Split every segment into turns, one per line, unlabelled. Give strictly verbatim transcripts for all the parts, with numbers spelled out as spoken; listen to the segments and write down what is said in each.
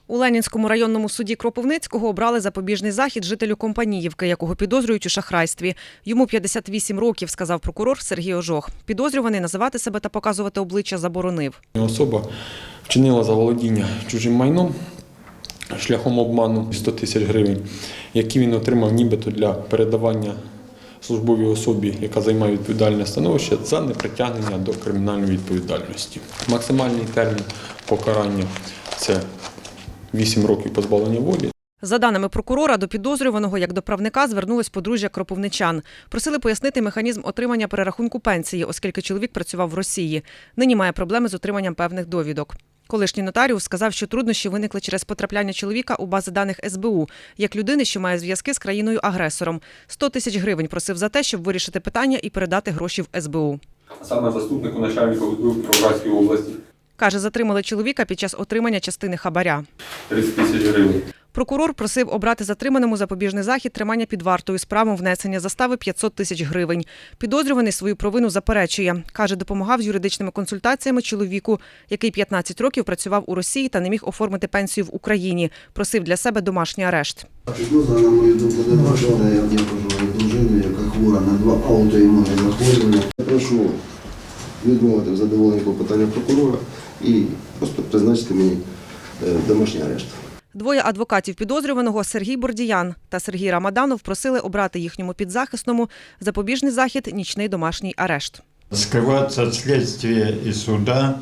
У Ленінському районному суді Кропивницького обрали запобіжний захід жителю Компаніївки, якого підозрюють у шахрайстві. Йому п'ятдесят вісім років, сказав прокурор Сергій Ожох. Підозрюваний називати себе та показувати обличчя заборонив.
Особа вчинила заволодіння чужим майном шляхом обману сто тисяч гривень, які він отримав нібито для передавання службовій особі, яка займає відповідальне становище, за непритягнення до кримінальної відповідальності. Максимальний термін покарання – це вісім років позбавлення волі.
За даними прокурора, до підозрюваного, як до правника, звернулось подружжя кропивничан. Просили пояснити механізм отримання перерахунку пенсії, оскільки чоловік працював в Росії. Нині має проблеми з отриманням певних довідок. Колишній нотаріус сказав, що труднощі виникли через потрапляння чоловіка у бази даних ес бе у, як людини, що має зв'язки з країною-агресором. сто тисяч гривень просив за те, щоб вирішити питання і передати гроші в ес бе у.
Саме заступнику начальника ес бе у Кіровоградської області.
Каже, затримали чоловіка під час отримання частини хабаря.
тридцять тисяч гривень.
Прокурор просив обрати затриманому запобіжний захід тримання під вартою з правом внесення застави п'ятсот тисяч гривень. Підозрюваний свою провину заперечує. Каже, допомагав з юридичними консультаціями чоловіку, який п'ятнадцять років працював у Росії та не міг оформити пенсію в Україні. Просив для себе домашній арешт.
Підозра, на мою думку, не вважала, я вдячна дружину, яка хвора на два аутоімунні захворювання. Я прошу відмовити в задоволенні клопотання прокурора і просто призначити мені домашній арешт.
Двоє адвокатів підозрюваного Сергій Бордіян та Сергій Рамаданов просили обрати їхньому підзахисному запобіжний захід – нічний домашній арешт.
Скрываться от следствия и суда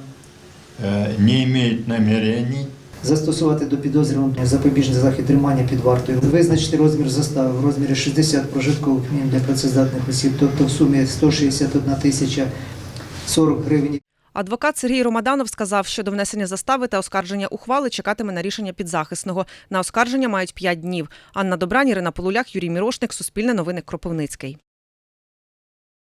не имеют намерений.
Застосувати до підозрюваного запобіжний захід тримання під вартою. Визначити розмір застави в розмірі шістдесят прожиткових мінімум для працездатних осіб, тобто в сумі сто шістдесят одна тисяча сорок гривень.
Адвокат Сергій Ромаданов сказав, що до внесення застави та оскарження ухвали чекатиме на рішення підзахисного. На оскарження мають п'ять днів. Анна Добрань, Ірина Полулях, Юрій Мірошник, Суспільне новини, Кропивницький.